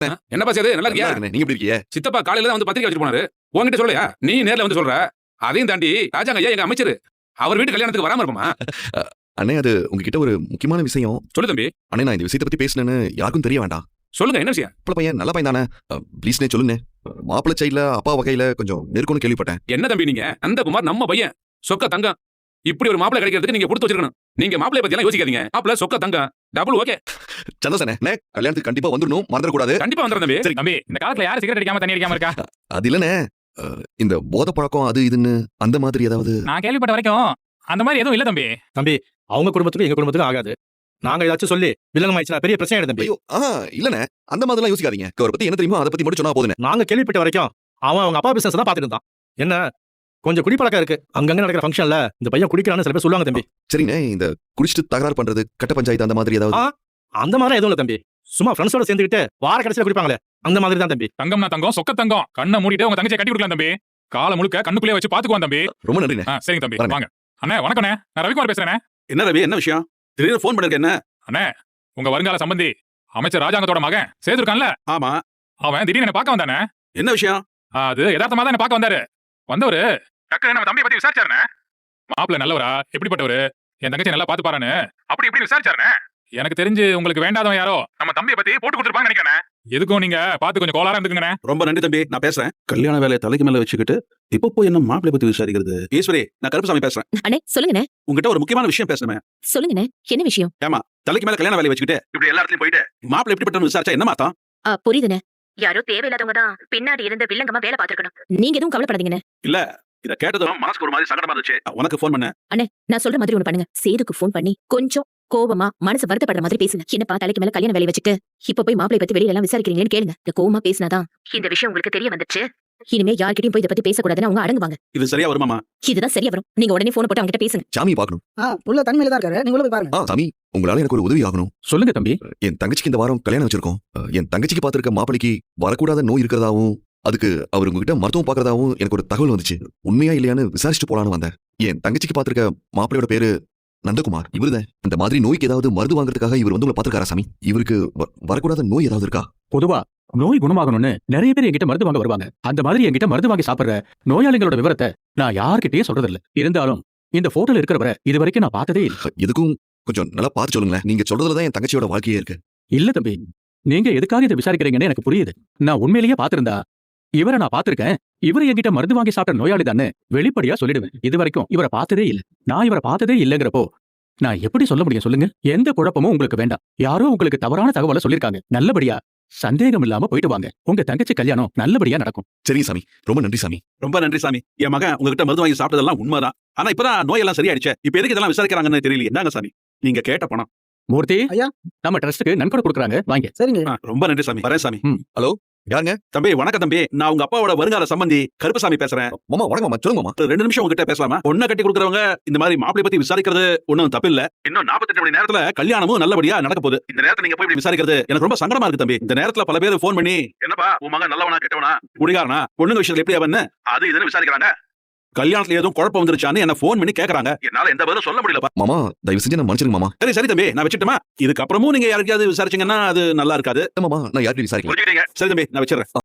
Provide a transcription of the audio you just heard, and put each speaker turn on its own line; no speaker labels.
என்னப்பா செய்யுது? நல்லா இருக்கியா?
நீங்க எப்படி இருக்கீங்க?
சித்தப்பா காலையில தான் வந்து பத்திரிக்கை வச்சுட்டு போனாரு. உன்கிட்ட சொல்லலையா? நீ நேர்ல வந்து சொல்ற. அதையும் தாண்டி ராஜாங்க ஐயா எங்க அமைச்சர். அவர் வீட்டு கல்யாணத்துக்கு வராம இருப்போமா?
அண்ணே, அது உங்ககிட்ட ஒரு முக்கியமான விஷயம்.
சொல்லு தம்பி.
அண்ணே, நான் இந்த விஷயத்தை பத்தி பேசினேன்னு யாருக்கும் தெரிய வேண்டாம்.
சொல்லுங்க, என்ன விஷயம்?
மாப்பிள பையன் நல்ல பையன் தானே? ப்ளீஸ்னே சொல்லுங்க. மாப்பிள சைட்ல அப்பா வகையில கொஞ்சம் நெருக்கம்னு கேள்விப்பட்டேன்.
என்ன தம்பி நீங்க? அந்த குமார் நம்ம பையன், சொக்க தங்கம். இப்படி ஒரு மாப்பிளை கிடைக்கிறதுக்கு நீங்க கொடுத்து வச்சிருக்கணும். நீங்க மாப்பிளை பத்தி எல்லாம் யோசிக்காதீங்க. மாப்பிள சொக்க தங்கம், டபுள் ஓகே.
சந்தோஷனே, கல்யாணத்துக்கு கண்டிப்பா வந்துடணும், மறந்துட கூடாது.
கண்டிப்பா வந்துடும் தம்பி.
சரி தம்பி, இந்த காலத்துல யாரு சிகரெட் அடிக்காம தண்ணி அடிக்காம இருக்கா?
அது இல்லனே, இந்த போத பழக்கம் அது இதுன்னு அந்த மாதிரி ஏதாவது.
நான் கேள்விப்பட்ட வரைக்கும் அந்த மாதிரி எதுவும் இல்ல தம்பி.
தம்பி, அவங்க குடும்பத்துக்கும் எங்க குடும்பத்துக்கும் ஆகாது. நாங்க ஏதாச்சும் சொல்லி வில்லங்கம் ஆயிடுச்சுனா பெரிய பிரச்சனை ஆயிடும் தம்பி.
ஐயோ, இல்லனே, அந்த மாதிரிலாம் யோசிக்காதீங்க. அவரை பத்தி என்ன தெரியுமோ அதை பத்தி மட்டும் சொன்னா போதுனே.
நாங்க கேள்விப்பட்ட வரைக்கும் அவன் அவங்க அப்பா பிசினஸ் தான் பாத்துட்டு இருந்தான். என்ன கொஞ்சம் குடிப்பழக்கம் இருக்கு. அங்கங்க நடக்கிற ஃபங்க்ஷன்ல இந்த பையன் குடிக்கிறான்னு சில பேர் சொல்லுவாங்க தம்பி.
சரிண்ணே, இந்த குடிச்சிட்டு தகராறு பண்றது, கட்ட பஞ்சாயத்து அந்த மாதிரி ஏதாவது.
அந்த மாதிரி எதுவும் இல்ல தம்பி. சும்மா ஃப்ரெண்ட்ஸோட சேர்ந்துக்கிட்டு வார கடைசியில குடிப்பாங்களே, அந்த மாதிரி தான் தம்பி.
தங்கம்னா தங்கம், சொக்க தங்கம். கண்ணை மூடிட்டு உங்க தங்கச்சியை கட்டி கொடுக்கலாம் தம்பி. காலை முழுக்க கண்ணுக்குள்ளே வச்சு பாத்துக்குவான் தம்பி.
ரொம்ப நன்றிண்ணே.
சரிங்க தம்பி,
வரேன்.
வாங்க. அண்ணே வணக்கண்ணே, நான் ரவிக்குமார் பேசுறேன்.
என்ன ரவி, என்ன விஷயம்? திடீர்னு ஃபோன் பண்ணிருக்க என்ன?
அண்ணே, உங்க வருங்கால சம்பந்தி அமைச்சர் ராஜாங்கத்தோட மகன் சேதுருக்கான்ல,
ஆமா,
அவன் திடீர்னு என்ன பார்க்க வந்தானே.
என்ன விஷயம்?
அது யதார்த்தமா தான் என்ன பார்க்க வந்தாரு. வந்தவரு டக்குனு நம்ம தம்பியை பத்தி விசாரிச்சாருண்ணே. மாப்பிள்ள நல்லவரா, எப்படிப்பட்டவரு, என் தங்கச்சி நல்லா பாத்து பாருன்னு அப்படி இப்படி விசாரிச்சாருண்ணே. எனக்கு தெரிஞ்சு உங்களுக்கு வேண்டாதவன் யாரோ நம்ம தம்பியை பத்தி போட்டு கொடுத்துருப்பாங்க நினைக்கிறேன். எதுக்கும் நீங்க பார்த்து கொஞ்சம் கோளாரா இருந்துக்குங்கண்ணே.
ரொம்ப நன்றி தம்பி, நான் பேசுறேன். கல்யாண வேலையை தலைக்கு மேல வச்சுக்கிட்டு இப்போ போய் என்ன மாப்பிளை பத்தி விசாரிக்கிறது? ஈஸ்வரி, நான் கருப்புசாமி பேசுறேன்.
அண்ணே சொல்லுங்கண்ணே.
உங்ககிட்ட ஒரு முக்கியமான விஷயம் பேசுறேன்.
சொல்லுங்கண்ணே, என்ன விஷயம்?
தலைக்கு மேல கல்யாண வேலையை வச்சுக்கிட்டு இப்படி எல்லா இடத்துலயும் போயிட்டு மாப்பிளை எப்படிப்பட்டவன்னு விசாரிச்சா என்ன மாத்தம்?
புரியுதுண்ணே. யாரோ தேவையில்லாதவங்க தான் பின்னாடி இருந்த வில்லங்கமா வேலை பார்த்திருக்கணும். நீங்க எதுவும் கவலைப்படாதீங்கண்ணே.
இல்ல, இத கேட்டதும் மனசுக்கு ஒரு மாதிரி சங்கடமா இருந்துச்சு. உனக்கு ஃபோன் பண்ண.
அண்ணே, நான் சொல்ற மாதிரி ஒண்ணு பண்ணுங்க. சேதுக்கு ஃபோன் பண்ணி கொஞ்சம் கோவமா மனசு வருத்தப்படுற மாதிரி பேசுங்க. என்னப்பா தலைக்கு மேல கல்யாண வேலை வச்சுட்டு இப்ப போய் மாப்பிளை பத்தி வெளியில எல்லாம் விசாரிக்கிறீங்கன்னு கேளுங்க. இந்த கோவமா பேசினாதான் இந்த விஷயம் உங்களுக்கு தெரிய வந்துச்சு. இனிமே யார்கிட்டயும் போய் இதை பத்தி பேசக்கூடாதுன்னு அவங்க அடங்குவாங்க.
இது சரியா வருமாமா?
இதுதான் சரியா வரும். நீங்க உடனே போன் போட்டு அவங்க கிட்ட பேசுங்க.
சாமி பார்க்கணும்.
உள்ள தனிமையில தான் இருக்காரு, நீங்க உள்ள போய் பாருங்க.
சாமி, உங்களால எனக்கு ஒரு உதவி ஆகணும்.
சொல்லுங்க தம்பி.
என் தங்கச்சிக்கு இந்த வாரம் கல்யாணம் வச்சிருக்கோம். என் தங்கச்சிக்கு பாத்திருக்க மாப்பிளைக்கு வரக்கூடாத நோய் இருக்கிறதாவும், அதுக்கு அவர் உங்ககிட்ட மருத்துவம் பாக்குறதாவும் எனக்கு ஒரு தகவல் வந்துச்சு. உண்மையா இல்லையான்னு விசாரிச்சுட்டு போலான்னு வந்தேன். என் தங்கச்சிக்கு பாத்திருக்க மாப்பிளையோட பேரு நந்தகுமார். இவருதான். இந்த மாதிரி நோய்க்கு ஏதாவது மருந்து வாங்குறதுக்காக இவர் வந்து உங்களை பாத்துருக்காரா சாமி? இவருக்கு வரக்கூடாத நோய் ஏதாவது இருக்கா?
பொதுவா நோய் குணமாகணும்னு நிறைய பேர் என்கிட்ட மருந்து வாங்க வருவாங்க. அந்த மாதிரி என்கிட்ட மருந்து வாங்கி சாப்பிடுற நோயாளிகளோட விவரத்தை நான் யார்கிட்டயே சொல்றதில்ல. இருந்தாலும் இந்த போட்டோல இருக்கிறவரை இது வரைக்கும் நான் பார்த்ததே இல்லை.
எதுக்கும் கொஞ்சம் நல்லா பார்த்து சொல்லுங்களேன். நீங்க சொல்றதுலதான் என் தங்கச்சியோட வாழ்க்கையே இருக்கு.
இல்ல தம்பி, நீங்க எதுக்காக இதை விசாரிக்கிறீங்கன்னு எனக்கு புரியுது. நான் உண்மையிலேயே பாத்திருந்தா இவரை நான் பாத்திருக்கேன், இவரை என்கிட்ட மருந்து வாங்கி சாப்பிட்ட நோயாளி தானே வெளிப்படையா சொல்லிடுவேன். இது வரைக்கும் இவரை பார்த்ததே இல்லை. நான் இவரை பார்த்ததே இல்லைங்கிறப்போ நான் எப்படி சொல்ல முடியும் சொல்லுங்க? எந்த குழப்பமும் உங்களுக்கு வேண்டாம். யாரோ உங்களுக்கு தவறான தகவலை சொல்லிருக்காங்க. நல்லபடியா சந்தேகம் இல்லாம போயிட்டு வாங்க. உங்க தங்கச்சி கல்யாணம் நல்லபடியா நடக்கும்.
சரி சாமி, ரொம்ப நன்றி சாமி.
ரொம்ப நன்றி சாமி. என் மகன் உங்ககிட்ட மருந்து வாங்கி சாப்பிட்டதெல்லாம் உண்மைதான். ஆனா இப்பதான் நோயெல்லாம் சரியாயிடுச்சு. இப்ப எதுக்கு இதெல்லாம் விசாரிக்கிறாங்கன்னு தெரியல. என்னங்க சாமி, நீங்க கேட்ட பணம்.
மூர்த்தி,
ஐயா,
நம்ம ட்ரஸ்ட்டுக்கு நன்கொடை கொடுக்குறாங்க, வாங்க.
சரிங்க.
ரொம்ப நன்றி சாமி. வரேன் சாமி.
ஹலோ, யாருங்க?
தம்பி வணக்கம் தம்பி, நான் உங்க அப்பாவோட வருங்கால சம்பந்தி கருப்புசாமி பேசுறேன்.
மாமா வணக்கம் மாமா, சொல்லுங்க மாமா.
2 நிமிஷம் உங்ககிட்ட பேசலாமா? பொண்ணை கட்டி கொடுக்குறவங்க இந்த மாதிரி மாப்பிளை பத்தி விசாரிக்கிறது ஒண்ணும் தப்பு இல்ல. இன்னும் 48 மணி நேரத்துல கல்யாணமும் நல்லபடியா நடக்க போகுது. இந்த நேரத்துல நீங்க போய் இப்படி விசாரிக்கிறது எனக்கு ரொம்ப சங்கடமா இருக்கு தம்பி. இந்த நேரத்துல பல பேர் போன் பண்ணி என்னப்பா உன் மகன் நல்லவனா கெட்டவனா, குடிகாரனா, பொண்ணுங்க விஷயத்துல எப்படி அவன்னு அது இதுன்னு விசாரிக்கிறாங்க. கல்யாணத்துல ஏதோ குழப்பம் வந்துருச்சான்னு என்ன போன் பண்ணி கேக்குறாங்க. என்னால எந்த பதிலும் சொல்ல முடியலப்பா.
மாமா, தயவு செஞ்சு நான் மன்னிச்சிருங்க மாமா.
சரி சரி தம்பி, நான் வச்சுட்டுமா? இதுக்கப்புறமும் நீங்க யாருக்காவது விசாரிச்சீங்கன்னா அது நல்லா இருக்காது
மாமா. நான் யார்கிட்ட விசாரிக்கிறேன்.
சரி தம்பி, நான் வச்சிடறேன்.